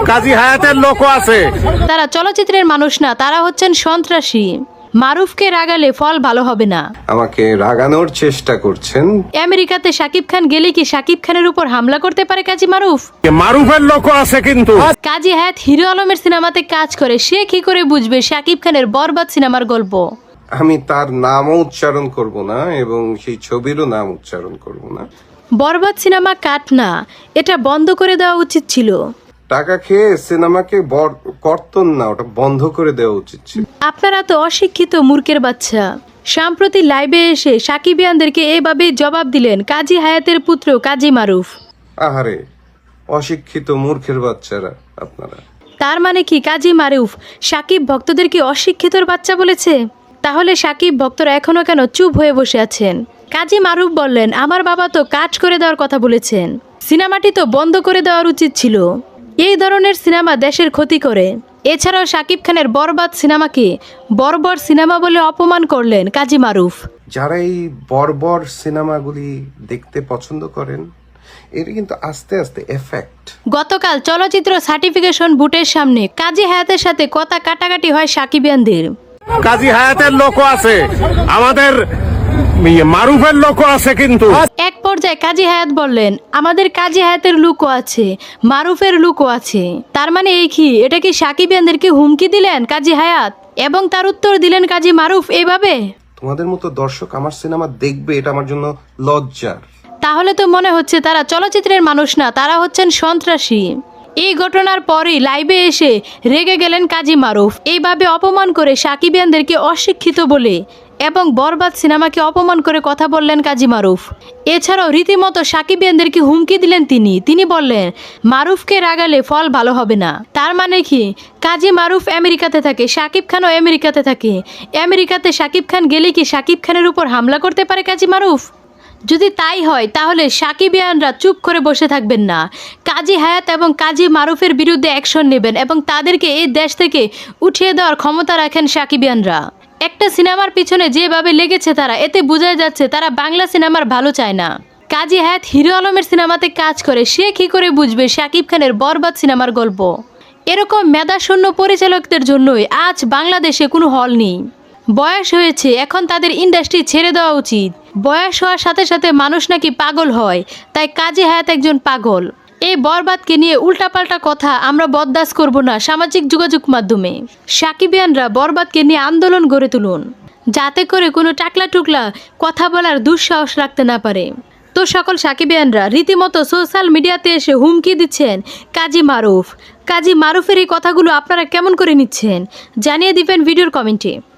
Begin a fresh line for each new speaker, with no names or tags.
কাজী হায়াতের লোকও আছে।
তারা চলচ্চিত্রের মানুষ না, তারা হচ্ছেন সন্ত্রাসী। মারুফকে রাগালে ফল ভালো হবে না।
আমাকে রাগানোর চেষ্টা করছেন।
আমেরিকাতে শাকিব খান গেলে কি শাকিব খানের উপর হামলা করতে পারে কাজী মারুফ?
মারুফের লোকও আছে কিন্তু।
কাজী হায়াত হিরো আলমের সিনেমাতে কাজ করে, সে কি করে বুঝবে শাকিব খানের বরবাদ সিনেমার গল্প?
আমি তার নামও উচ্চারণ করব না এবং সেই ছবিরও নাম উচ্চারণ করব না।
বরবাদ সিনেমা কাট না, এটা বন্ধ করে দেওয়া উচিত ছিল।
টাকা খেয়ে সিনেমাকে কর্তন না, ওটা বন্ধ করে দেওয়া উচিত ছিল।
আপনারা তো অশিক্ষিত মূর্খের বাচ্চা। সম্প্রতি লাইভে এসে সাকিবিয়ানদেরকে এভাবে জবাব দিলেন কাজী হায়াতের পুত্র কাজী মারুফ।
আহারে, অশিক্ষিত মূর্খের বাচ্চারা আপনারা।
তার মানে কি কাজী মারুফ সাকিব ভক্তদেরকে অশিক্ষিতর বাচ্চা বলেছে? তাহলে সাকিব ভক্তরা এখনো কেন চুপ হয়ে বসে আছেন? কাজী মারুফ বললেন, আমার বাবা তো কাজ করে দেওয়ার কথা বলেছেন, সিনেমাটি তো বন্ধ করে দেওয়ার উচিত ছিল। এই ধরনের সিনেমা দেশের ক্ষতি করে। এছাড়াও শাকিব খানের বরবাদ সিনেমাকে বর্বর সিনেমা বলে অপমান করলেন কাজী মারুফ।
যারা এই বর্বর সিনেমাগুলি দেখতে পছন্দ করেন, এর কিন্তু আস্তে আস্তে এফেক্ট।
গতকাল চলচ্চিত্র সার্টিফিকেশন বুটের সামনে কাজী হায়াতের সাথে কথা কাটাকাটি হয় সাকিবিয়ানদের।
কাজী হায়াতের লোকও আছে, আমাদের মারুফের লোকও আছে কিন্তু।
এক পর্যায়ে কাজী হায়াত বললেন, আমাদের কাজী হায়াতের লুকও আছে, মারুফের লুকও আছে। তার মানে এই কি, এটা কি সাকিবিয়ানদেরকে হুমকি দিলেন কাজী হায়াত? এবং তার উত্তর দিলেন কাজী মারুফ এইভাবে।
তোমাদের মতো দর্শক আমার সিনেমা দেখবে, এটা আমার জন্য লজ্জার।
তাহলে তো মনে হচ্ছে তারা চলচ্চিত্রের মানুষ না, তারা হচ্ছেন সন্ত্রাসী। এই ঘটনার পরই লাইভে এসে রেগে গেলেন কাজী মারুফ। এইভাবে অপমান করে সাকিবিয়ানদেরকে অশিক্ষিত বলে এবং বরবাদ সিনেমাকে অপমান করে কথা বললেন কাজী মারুফ। এছাড়াও রীতিমতো সাকিবিয়ানদেরকে হুমকি দিলেন তিনি বললেন, মারুফকে রাগালে ফল ভালো হবে না। তার মানে কি, কাজী মারুফ আমেরিকাতে থাকে, শাকিব খানও আমেরিকাতে থাকে। আমেরিকাতে শাকিব খান গেলে কি শাকিব খানের উপর হামলা করতে পারে কাজী মারুফ? যদি তাই হয় তাহলে সাকিবিয়ানরা চুপ করে বসে থাকবেন না, কাজী হায়াত এবং কাজী মারুফের বিরুদ্ধে অ্যাকশন নেবেন এবং তাদেরকে এই দেশ থেকে উঠিয়ে দেওয়ার ক্ষমতা রাখেন সাকিবিয়ানরা। একটা সিনেমার পিছনে যেভাবে লেগেছে তারা, এতে বোঝা যাচ্ছে তারা বাংলা সিনেমার ভালো চায় না। কাজী হায়াত হিরো আলমের সিনেমাতে কাজ করে, সে কি করে বুঝবে শাকিব খানের বরবাদ সিনেমার গল্প? এরকম মেধাশূন্য পরিচালকদের জন্যই আজ বাংলাদেশে কোনো হল নেই। বয়স হয়েছে, এখন তাদের ইন্ডাস্ট্রি ছেড়ে দেওয়া উচিত। বয়স হওয়ার সাথে সাথে মানুষ নাকি পাগল হয়, তাই কাজী হায়াত একজন পাগল। এই বরবাদকে নিয়ে উল্টাপাল্টা কথা আমরা বরদাস্ত করব না সামাজিক যোগাযোগ মাধ্যমে। সাকিবিয়ানরা বরবাদকে নিয়ে আন্দোলন গড়ে তুলুন, যাতে করে কোনো টাকলা টুকলা কথা বলার দুঃসাহস রাখতে না পারে। তো সকল সাকিবিয়ানরা রীতিমতো সোশ্যাল মিডিয়াতে এসে হুমকি দিচ্ছেন কাজী মারুফ। কাজী মারুফের এই কথাগুলো আপনারা কেমন করে নিচ্ছেন জানিয়ে দিবেন ভিডিওর কমেন্টে।